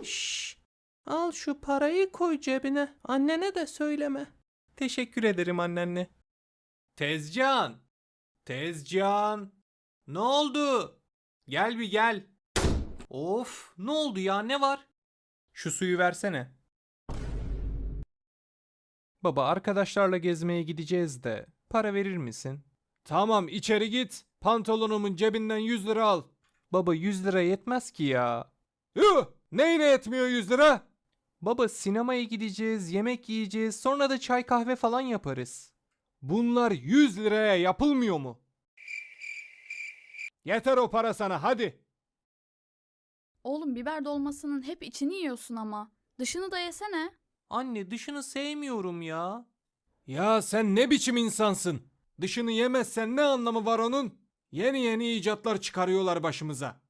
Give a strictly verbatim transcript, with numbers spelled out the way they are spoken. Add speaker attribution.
Speaker 1: Şşş. Al şu parayı koy cebine. Annene de söyleme. Teşekkür ederim anneanne. Tezcan. Tezcan. Ne oldu? Gel bir gel. Of, ne oldu ya, ne var? Şu suyu versene. Baba, arkadaşlarla gezmeye gideceğiz de para verir misin? Tamam, içeri git. Pantolonumun cebinden yüz lira al. Baba, yüz lira yetmez ki ya. Yuh! Neyine yetmiyor yüz lira? Baba, sinemaya gideceğiz, yemek yiyeceğiz, sonra da çay kahve falan yaparız. Bunlar yüz liraya yapılmıyor mu? Yeter o para sana, hadi.
Speaker 2: Oğlum biber dolmasının hep içini yiyorsun ama. Dışını da yesene.
Speaker 1: Anne, dışını sevmiyorum ya.
Speaker 3: Ya sen ne biçim insansın? Dışını yemezsen ne anlamı var onun? Yeni yeni icatlar çıkarıyorlar başımıza.